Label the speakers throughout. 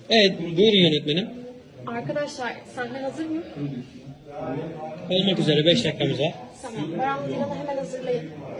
Speaker 1: Evet, buyurun yönetmenim.
Speaker 2: Arkadaşlar sahne hazır mı?
Speaker 1: Olmak üzere 5 dakikamız var.
Speaker 2: Tamam. Baran Dilan'ı hemen hazırlayın.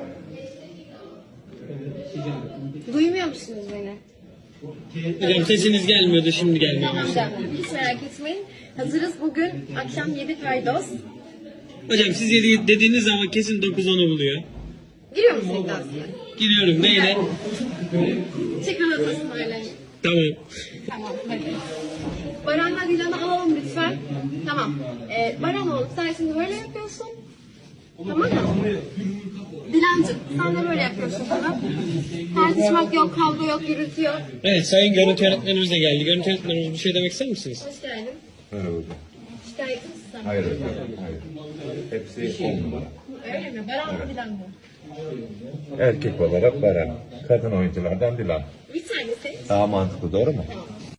Speaker 2: Duymuyor musunuz beni?
Speaker 1: Hocam sesiniz gelmiyordu, şimdi gelmiyor.
Speaker 2: Tamam canım. Hiç merak etmeyin. Hazırız bugün. Akşam 7 paydos.
Speaker 1: Hocam siz dediğiniz zaman kesin 9-10'u buluyor.
Speaker 2: Giriyor musun iddiasına?
Speaker 1: Giriyorum, neyle?
Speaker 2: Tekrar atasın öyle.
Speaker 1: Tamam.
Speaker 2: Tamam hadi. Baran'la Dilan'ı alalım lütfen. Tamam. Baran oğlum sen şimdi böyle yapıyorsun. Tamam mı? Dilancığım sen de böyle yapıyorsun, tamam. Tartışmak yok, kavga yok, gürültü yok.
Speaker 1: Evet, sayın görüntü yönetmenimiz de geldi. Görüntü yönetmenimiz bir şey demek ister misiniz?
Speaker 2: Hoş geldin.
Speaker 3: Merhaba hocam.
Speaker 2: Şikayetçi misin sen?
Speaker 3: Hayır hocam, hayır. Hepsi 10 numara.
Speaker 2: Öyle mi? Baran mı Dilan mı?
Speaker 3: Erkek olarak Baran, kadın oyunculardan Dilan.
Speaker 2: Bir tanesi.
Speaker 3: Daha mantıklı, doğru mu?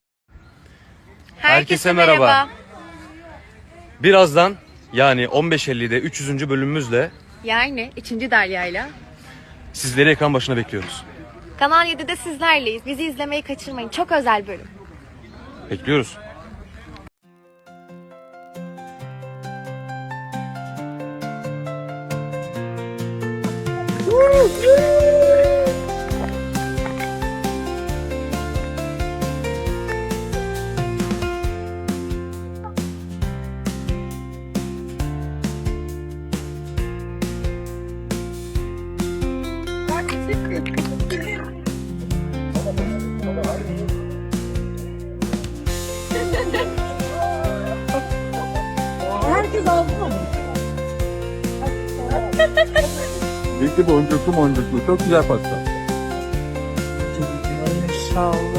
Speaker 4: Herkese merhaba. Birazdan yani 15.50'de 300. bölümümüzle
Speaker 5: Yani 3. Derya'yla.
Speaker 4: sizleri ekran başına bekliyoruz.
Speaker 5: Kanal 7'de sizlerleyiz. Bizi izlemeyi kaçırmayın. Çok özel bölüm.
Speaker 4: Bekliyoruz.
Speaker 3: Peki boncuklu çok güzel pasta.
Speaker 6: Sağ ol.